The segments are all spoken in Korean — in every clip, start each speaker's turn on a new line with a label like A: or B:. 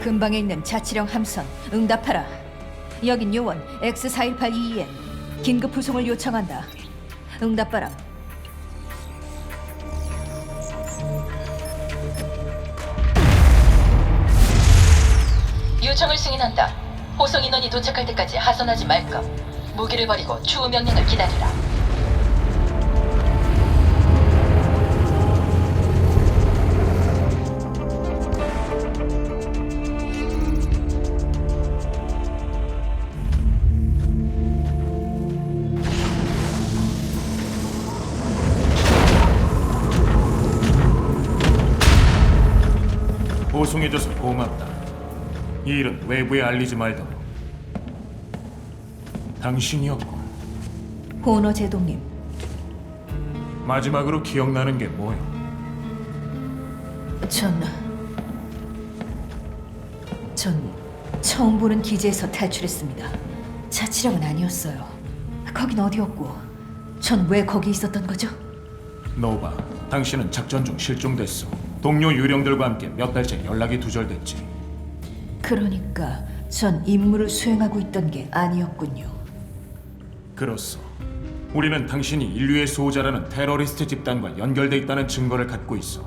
A: 근방에 있는 자치령 함선 응답하라. 여긴 요원 X41822엔 긴급 후송을 요청한다. 응답바람.
B: 요청을 승인한다. 호송 인원이 도착할 때까지 하선하지 말 것. 무기를 버리고 추후 명령을 기다리라.
C: 보송해줘서 고맙다. 이 일은 외부에 알리지 말도록. 당신이었고
A: 호너 제동님,
C: 마지막으로 기억나는 게 뭐요?
A: 전 처음 보는 기지에서 탈출했습니다. 자치령은 아니었어요. 거긴 어디였고, 전 왜 거기 있었던 거죠?
C: 노바, 당신은 작전 중 실종됐어. 동료 유령들과 함께 몇 달째 연락이 두절됐지.
A: 그러니까 전 임무를 수행하고 있던 게 아니었군요.
C: 그렇소. 우리는 당신이 인류의 수호자라는 테러리스트 집단과 연결돼 있다는 증거를 갖고 있어.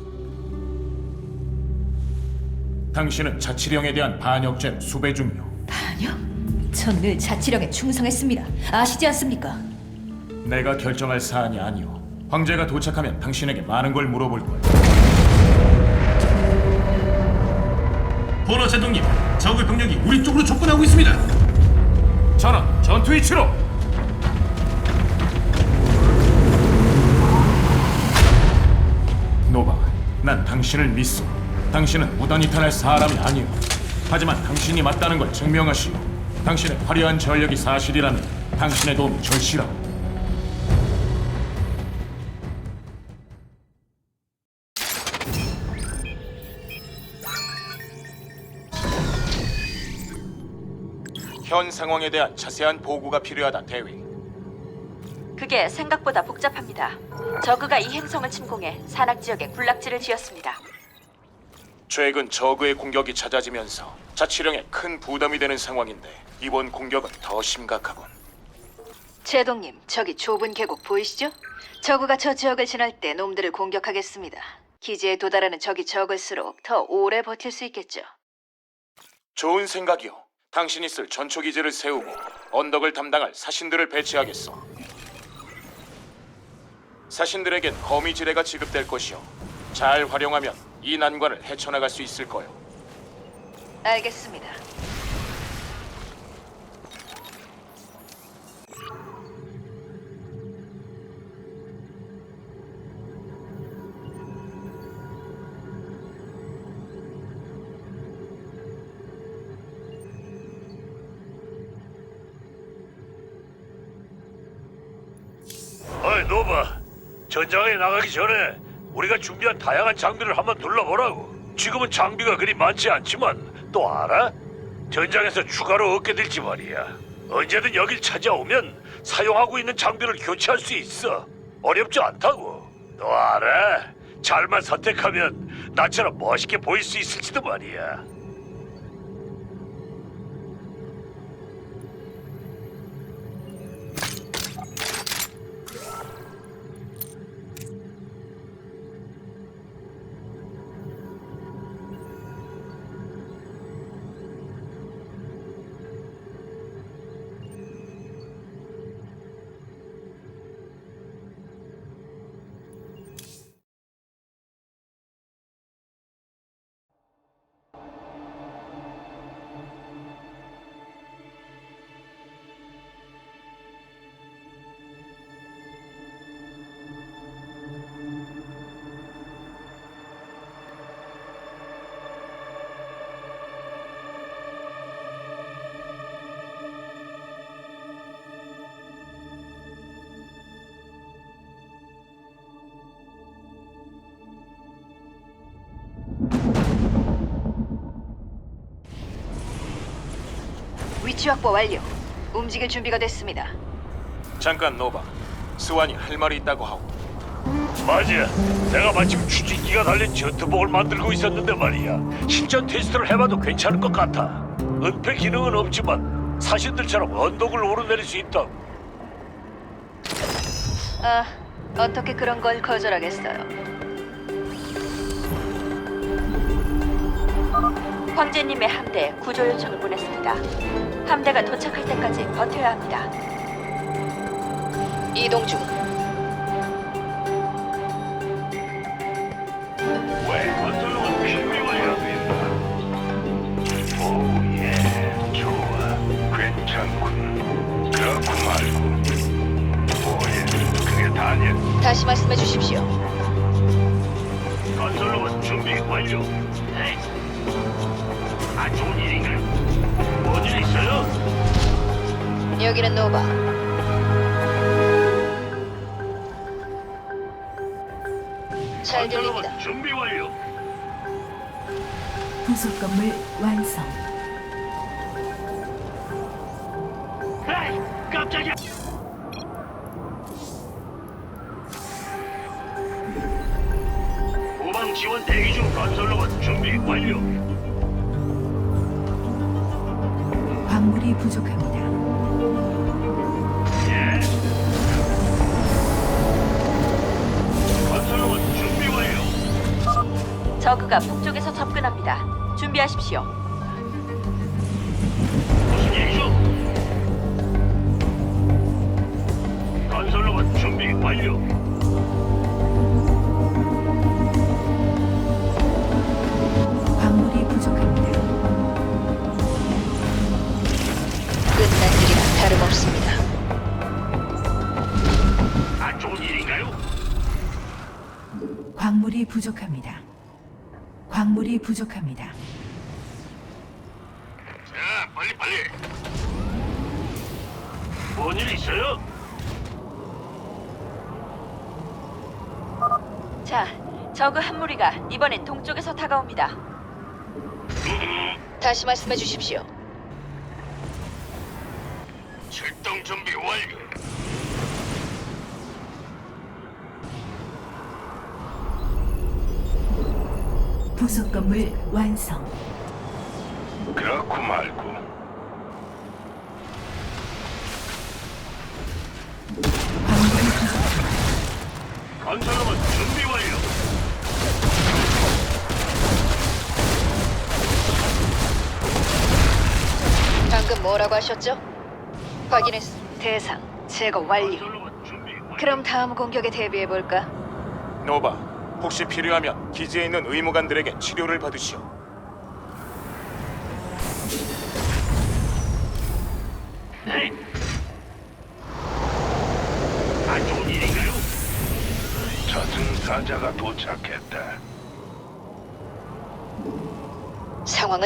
C: 당신은 자치령에 대한 반역죄로 수배 중이오.
A: 반역? 전 늘 자치령에 충성했습니다. 아시지 않습니까?
C: 내가 결정할 사안이 아니오. 황제가 도착하면 당신에게 많은 걸 물어볼 거야.
D: 호너 제동님, 적의 병력이 우리 쪽으로 접근하고 있습니다.
C: 전원, 전투 위치로! 노바, 난 당신을 믿소. 당신은 무단히 탈할 사람이 아니오. 하지만 당신이 맞다는 걸 증명하시오. 당신의 화려한 전력이 사실이라면 당신의 도움이 절실하오. 현 상황에 대한 자세한 보고가 필요하다, 대위.
E: 그게 생각보다 복잡합니다. 저그가 이 행성을 침공해 산악 지역에 군락지를 지었습니다.
C: 최근 저그의 공격이 잦아지면서 자치령에 큰 부담이 되는 상황인데 이번 공격은 더 심각하군.
A: 제동님, 저기 좁은 계곡 보이시죠? 저그가 저 지역을 지날 때 놈들을 공격하겠습니다. 기지에 도달하는 적이 적을수록 더 오래 버틸 수 있겠죠.
C: 좋은 생각이오. 당신이 쓸 전초기지를 세우고 언덕을 담당할 사신들을 배치하겠어. 사신들에겐 거미지뢰가 지급될 것이오. 잘 활용하면 이 난관을 헤쳐나갈 수 있을 거요.
A: 알겠습니다.
D: 어이 노바, 전장에 나가기 전에 우리가 준비한 다양한 장비를 한번 둘러보라고. 지금은 장비가 그리 많지 않지만 또 알아? 전장에서 추가로 얻게 될지 말이야. 언제든 여길 찾아오면 사용하고 있는 장비를 교체할 수 있어. 어렵지 않다고. 너 알아? 잘만 선택하면 나처럼 멋있게 보일 수 있을지도 말이야.
A: 위치 확보 완료. 움직일 준비가 됐습니다.
C: 잠깐 노바. 스완이 할 말이 있다고 하오.
D: 맞아. 내가 마침 추진기가 달린 전투복을 만들고 있었는데 말이야. 실전 테스트를 해봐도 괜찮을 것 같아. 은폐 기능은 없지만 사신들처럼 언덕을 오르내릴 수 있다.
A: 아, 어떻게 그런 걸 거절하겠어요?
E: 황제님의 함대에 구조 요청을 보냈습니다. 함대가 도착할 때까지 버텨야 합니다.
A: 이동 중.
D: 왜? 건설로만 준비 완료됐다. 오예, 좋아, 괜찮군. 그렇고 말고. 오예, 그게 다냐?
A: 다시 말씀해 주십시오.
D: 건설로만 준비 완료. 네. 아, 좋은 일인가요? 뭔일 있어요?
A: 여기는 노바. 잘 들립니다.
D: 건설로만 준비 완료.
F: 부속 건물 완성.
D: 에이, 깜짝이야. 후방 지원 대기 중. 건설로만 준비 완료.
F: 광물이 부족합니다.
D: 예. 건설로만 준비 완료.
E: 저그가 북쪽에서 접근합니다. 준비하십시오.
D: 무슨 일이죠? 건설로만 준비 완료.
F: 광물이 부족합니다.
A: 끝난 일이나 다름없습니다.
D: 안 좋은 일인가요?
F: 광물이 부족합니다. 광물이 부족합니다.
D: 자, 빨리. 뭔 일 있어요?
E: 자, 저그 한 무리가 이번엔 동쪽에서 다가옵니다.
A: 다시 말씀해 주십시오.
D: 출동 준비 완료.
F: 부속 건물 완성.
D: 그렇고 말고.
F: 광물이 부족합니다.
D: 건설로만 준비 완료.
A: 방금 뭐라고 하셨죠? 확인했어. 대상 제거 완료.
D: 건설로만 준비 완료.
A: 그럼 다음 공격에 대비해 볼까?
C: 노바, 혹시 필요하면 기지에 있는 의무관들에게 치료를 받으시오.
D: 네. 안 좋은 일인가요? 저승사자가 도착했다.
A: 상황은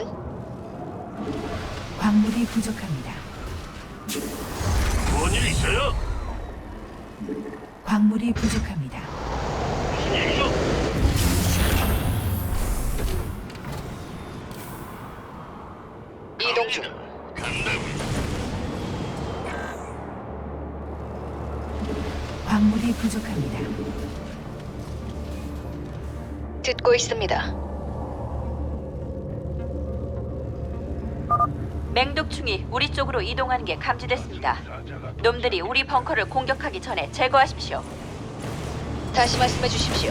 F: 광물이 부족합니다.
D: 뭔 일 있어요?
F: 광물이 부족합니다.
D: 무슨 일이죠?
A: 이동 중.
D: 간다고요.
F: 광물이 부족합니다.
A: 듣고 있습니다.
E: 맹독충이 우리 쪽으로 이동하는 게 감지됐습니다.
D: 저승사자가
E: 놈들이 우리 벙커를 공격하기 전에 제거하십시오.
A: 다시 말씀해 주십시오.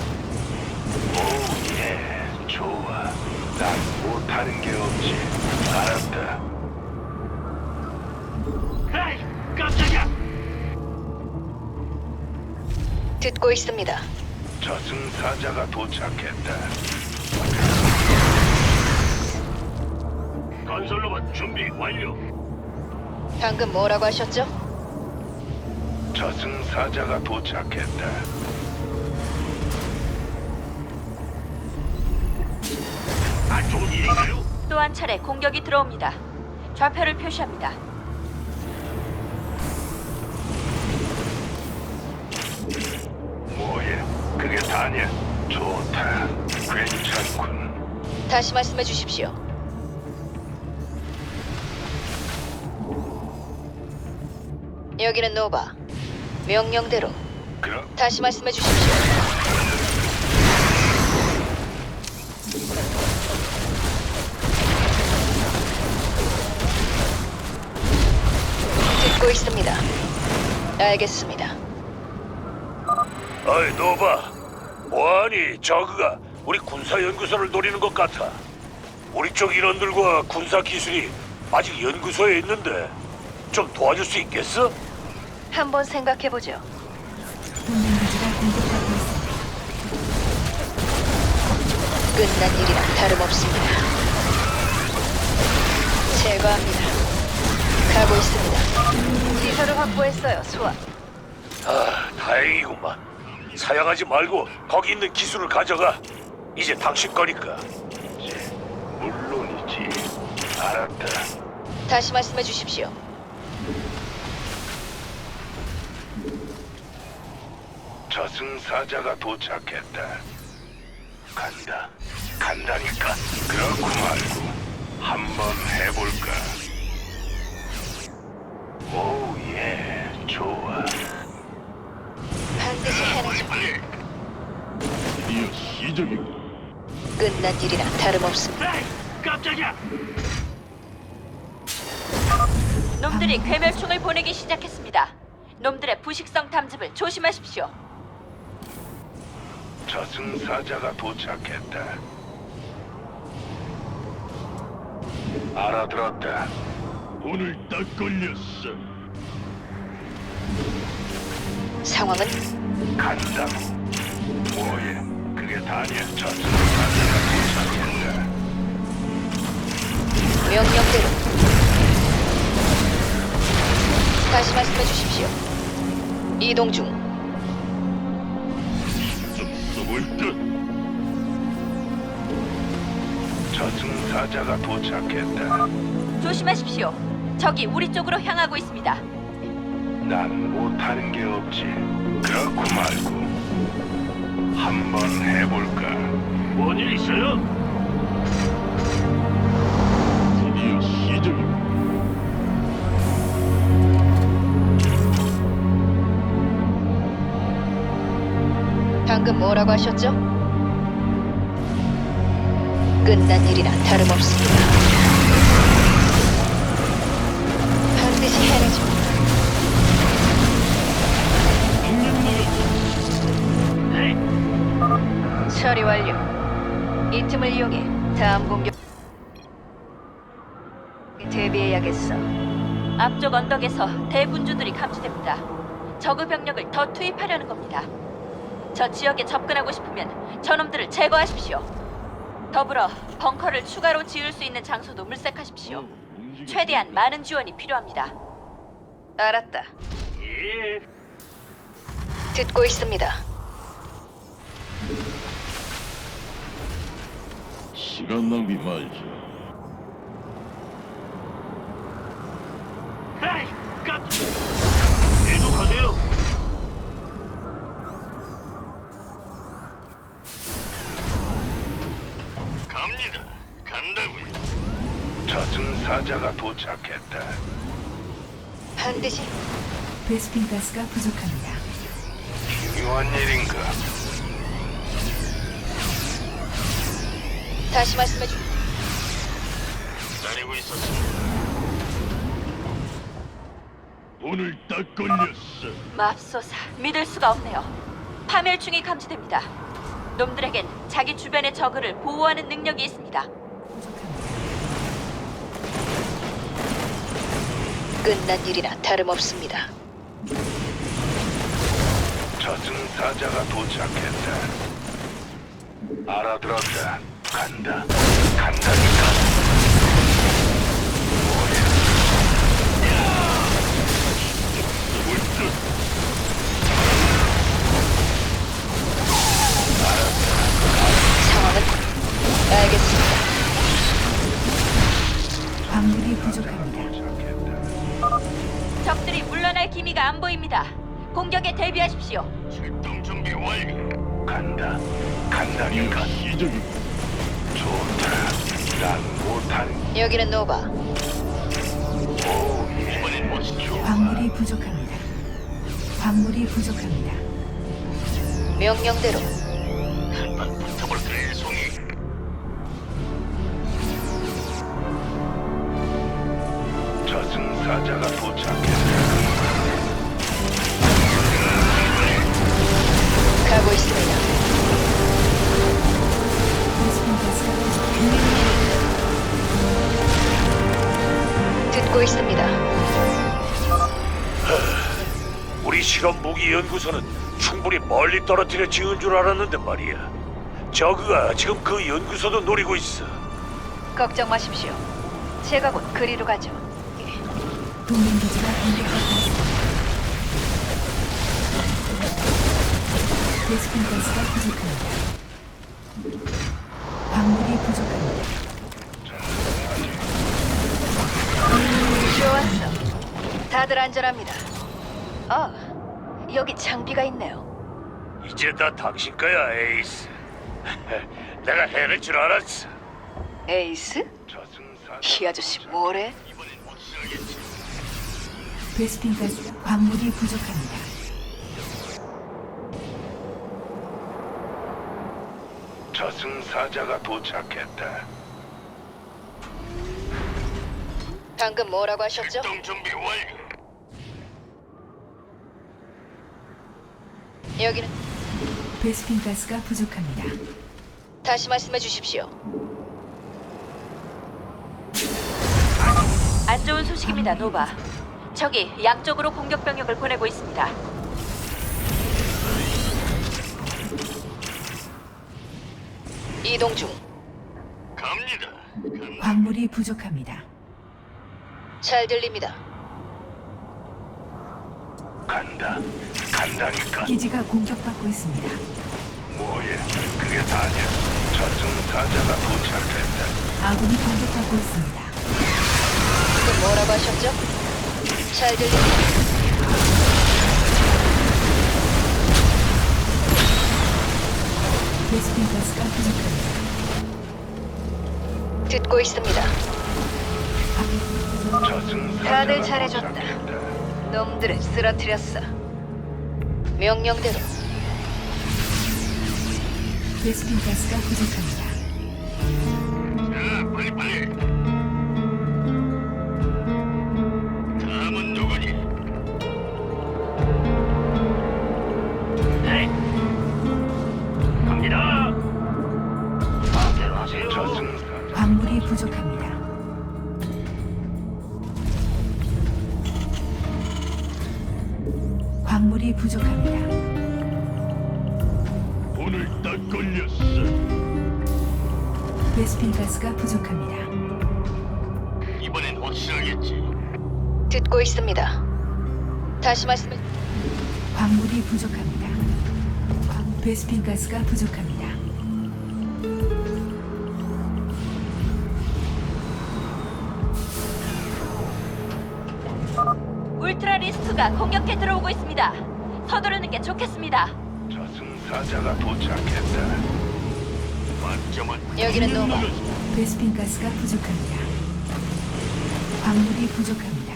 D: 예, 좋아. 난 못하는 게 없지. 알았다. 에이, 깜짝이야.
A: 듣고 있습니다.
D: 저승사자가 도착했다. 건설로봇 준비 완료.
A: 방금 뭐라고 하셨죠?
D: 저승사자가 도착했다. 안 좋은 일인가요?
E: 또 한 차례 공격이 들어옵니다. 좌표를 표시합니다.
D: 뭐야? 그게 다냐? 좋다. 괜찮군.
A: 다시 말씀해 주십시오. 여기는 노바. 명령대로
D: 그럼
A: 다시 말씀해 주십시오. 듣고 있습니다. 알겠습니다.
D: 어이 노바, 뭐하니? 저그가 우리 군사연구소를 노리는 것 같아. 우리 쪽 인원들과 군사 기술이 아직 연구소에 있는데 좀 도와줄 수 있겠어?
A: 한번 생각해 보죠.
F: 동맹 기지가 공격받고 있습니다.
A: 끝난 일이라 다름없습니다. 제거합니다. 가고 있습니다. 시설을 확보했어요, 수아.
D: 아, 다행이구만. 사양하지 말고 거기 있는 기술을 가져가. 이제 당신 거니까. 물론이지. 알았다.
A: 다시 말씀해 주십시오.
D: 저승사자가 도착했다. 간다. 간다니까. 그렇고 말고 한번 해볼까? 오, 예. 좋아.
A: 반드시 해내죠.
D: 드디어 시작이고.
A: 끝난 일이라 다름없습니다.
D: 깜짝이야.
E: 놈들이 괴멸충을 보내기 시작했습니다. 놈들의 부식성 탐집을 조심하십시오.
D: 저승사자가 도착했다. 알아들었다. 오늘 딱 걸렸어.
A: 상황은
D: 간다. 뭐해? 그게 다냐? 저승사자가 도착했다.
A: 명령대로. 다시 말씀해 주십시오. 이동 중.
D: 좀 써볼 듯. 저승사자가 도착했다.
E: 조심하십시오. 적이 우리 쪽으로 향하고 있습니다.
D: 난 못하는 게 없지. 그렇고 말고 한번 해볼까? 뭔 일 있어요? 드디어 시작이고.
A: 방금 뭐라고 하셨죠? 끝난 일이라 다름없습니다. 반드시 해내죠. 처리 완료. 이 틈을 이용해 다음 공격 대비해야겠어.
E: 앞쪽 언덕에서 대군주들이 감지됩니다. 저그 병력을 더 투입하려는 겁니다. 저 지역에 접근하고 싶으면 저놈들을 제거하십시오. 더불어 벙커를 추가로 지을 수 있는 장소도 물색하십시오. 최대한 많은 지원이 필요합니다.
A: 알았다. 듣고 있습니다.
D: 시간 낭비 말지. 에이, 계속하세요. 갑니다. 간다고요. 저승사자가 도착했다.
A: 반드시
F: 베스핀 가스가 부족합니다.
D: 중요한 일인가?
A: 다시 말씀해 주.
D: 기다리고 있었습니다. 오늘 딱 걸렸어.
E: 맙소사, 믿을 수가 없네요. 파멸충이 감지됩니다. 놈들에겐 자기 주변의 적을 보호하는 능력이 있습니다.
A: 끝난 일이나 다름없습니다.
D: 저승사자가 도착했다. 알아들었다. 간다. 간다니까.
A: 상황은 알겠습니다.
F: 광물이 부족합니다.
E: 적들이 물러날 기미가 안 보입니다. 공격에 대비하십시오.
D: 출동 준비 완료. 간다. 간다니까. 시작이. 좋다. 난 못한.
A: 여기는 노바.
D: 오, 이번엔 멋있죠.
F: 광물이 부족합니다. 광물이 부족합니다.
A: 명령대로.
D: 한판 붙어볼까, 송이. 저승사자가 도착했다.
A: 가고 있습니다.
F: 베스핀 가스가 부족합니다.
A: 듣고 있습니다.
D: 우리 실험 무기 연구소는 충분히 멀리 떨어뜨려 지은 줄 알았는데 말이야. 저그가 지금 그 연구소도 노리고 있어.
A: 걱정 마십시오. 제가 곧 그리로 가죠.
F: 동맹 기지가 공격받고 있습니다. 베스핀 가스가 부족합니다. 광물이 부족합니다.
A: 좋았어. 다들 안전합니다. 여기 장비가 있네요.
D: 이제 다 당신 거야, 에이스. 내가 해낼 줄 알았어.
A: 에이스?
D: 저승사자.
A: 이 아저씨 뭐래?
D: 이번엔 확실하겠지.
F: 베스핀 가스 광물이 부족합니다.
D: 저승사자가 도착했다.
A: 방금 뭐라고 하셨죠?
D: 출동 준비 완료.
A: 여기는
F: 베스핀 가스가 부족합니다.
A: 다시 말씀해 주십시오.
E: 안 좋은 소식입니다, 노바. 적이 양쪽으로 공격 병력을 보내고 있습니다.
A: 이동 중.
D: 갑니다.
F: 광물이 부족합니다.
A: 잘 들립니다.
D: 간다. 간다니까.
F: 기지가 공격받고 있습니다.
D: 뭐야? 그게 다냐? 저승사자가 도착했다.
F: 아군이 공격받고 있습니다.
A: 그 뭐라고 하셨죠? 잘 들립니다.
F: 베스핀 가스가 부족합니다.
A: 듣고 있습니다.
D: 저승사자가
A: 다들 잘해줬다.
D: 도착했다.
A: 놈들을 쓰러뜨렸어. 명령대로.
F: 베스핀 가스가 부족합니다.
D: 자, 빨리. 다음은 누구니? 네. 갑니다. 마음대로 하세요. 저승사자.
F: 광물이 부족합니다. 광물이 부족합니다.
D: 오늘 딱 걸렸어.
F: 베스핀 가스가 부족합니다.
D: 이번엔 확실하겠지.
A: 듣고 있습니다. 다시 말씀해.
F: 광물이 부족합니다. 베스핀 가스가 부족합니다.
E: 울트라 리스크가 공격해 들어오고 있습니다. 서두르는 게 좋겠습니다.
D: 저승사자가 도착했다. 완점은
A: 여기는 노바.
F: 베스핀 가스가 부족합니다. 광물이 부족합니다.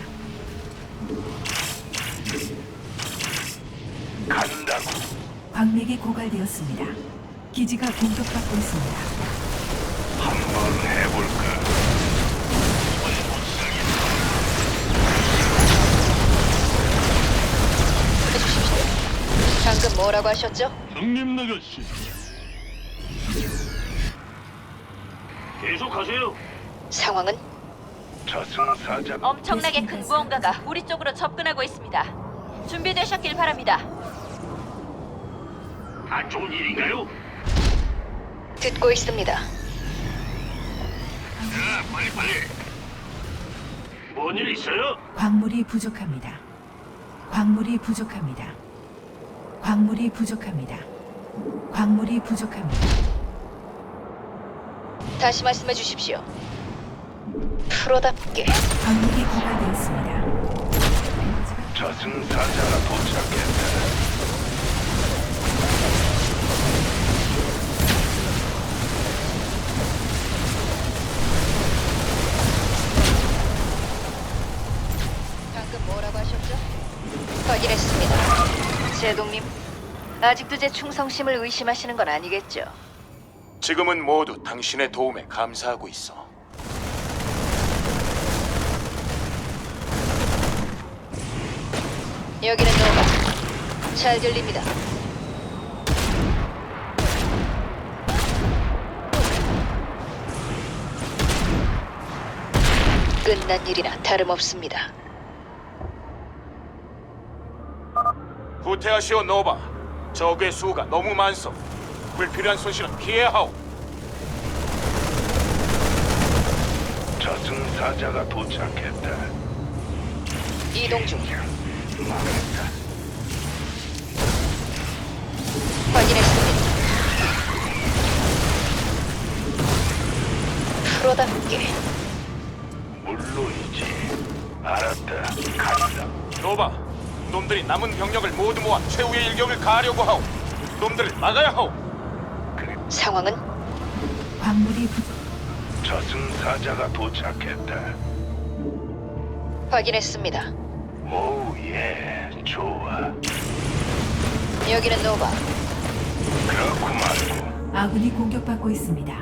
D: 간다고.
F: 광맥이 고갈되었습니다. 기지가 공격받고 있습니다.
D: 한번 해볼까?
A: 해주십시오. 방금 뭐라고 하셨죠?
D: 형님 나가시. 계속하세요.
A: 상황은?
D: 저승사자.
E: 엄청나게 큰 무언가가 우리 쪽으로 접근하고 있습니다. 준비되셨길 바랍니다.
D: 안 좋은 일인가요?
A: 듣고 있습니다.
D: 자, 빨리. 뭔 일 있어요?
F: 광물이 부족합니다. 광물이 부족합니다. 광물이 부족합니다. 광물이 부족합니다.
A: 다시 말씀해 주십시오. 프로답게.
F: 광물이 고갈되었습니다.
D: 저승사자가 도착했다.
A: 방금 뭐라고 하셨죠? 확인했습니다. 제동님, 아직도 제 충성심을 의심하시는 건 아니겠죠?
C: 지금은 모두 당신의 도움에 감사하고 있어.
A: 여기는 노바. 잘 들립니다. 끝난 일이나 다름없습니다.
C: 후퇴하시오 노바. 적의 수가 너무 많소. 불필요한 손실은 피해야 하오.
D: 저승사자가 도착했다.
A: 이동 중.
D: 망했다.
A: 확인했습니다. 프로답게.
D: 물론이지. 알았다. 간다.
C: 노바, 놈들이 남은 병력을 모두 모아 최후의 일격을 가하려고 하오. 놈들을 막아야 하오.
A: 상황은
F: 광물이 부족.
D: 저승사자가 도착했다.
A: 확인했습니다.
D: 오, 예. 좋아.
A: 여기는 노바.
D: 그렇구만.
F: 아군이 공격받고 있습니다.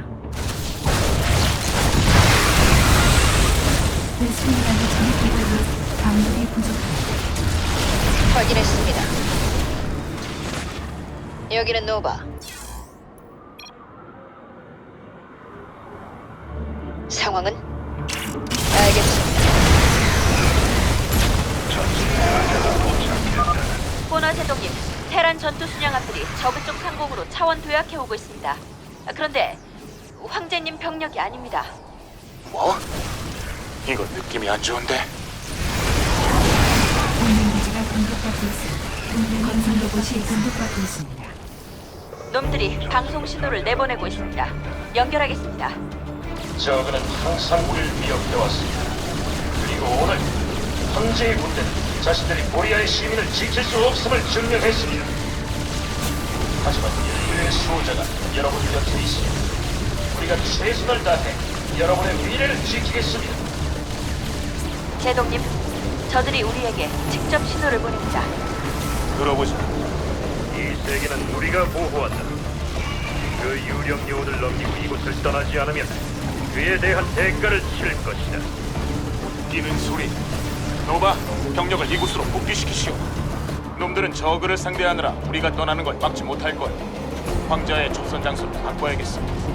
F: 베스핀가스 적이 고갈되었습니다. 광물이 부족합니다.
A: 확인했습니다. 여기는 노바. 상황은? 알겠습니다.
D: 저승사자가 도착했다.
E: 보너 제독님, 테란 전투 순양함들이 저그 쪽 상공으로 차원 도약해오고 있습니다. 그런데 황제님 병력이 아닙니다.
C: 뭐? 이거 느낌이 안 좋은데?
F: 동맹 기지가 공격받고 있습니다. 동맹 건설 로봇이 공격받고 있습니다.
E: 놈들이 방송 신호를 내보내고 있습니다. 연결하겠습니다.
G: 저그는 항상 우리를 위협해왔습니다. 그리고 오늘 황제의 군대는 자신들이 보리아의 시민을 지킬 수 없음을 증명했습니다. 하지만 인류의 수호자가 여러분 곁에 있습니다. 우리가 최선을 다해 여러분의 미래를 지키겠습니다.
E: 제독님, 저들이 우리에게 직접 신호를 보냅니다.
C: 들어보자.
D: 이 세계는 우리가 보호한다. 그 유령 요원을 넘기고 이곳을 떠나지 않으면 그에 대한 대가를 치를 것이다.
C: 뛰는 소리. 노바, 병력을 이곳으로 복귀시키시오. 놈들은 저그를 상대하느라 우리가 떠나는 걸 막지 못할 거야. 황자의 조선 장소를 바꿔야겠어.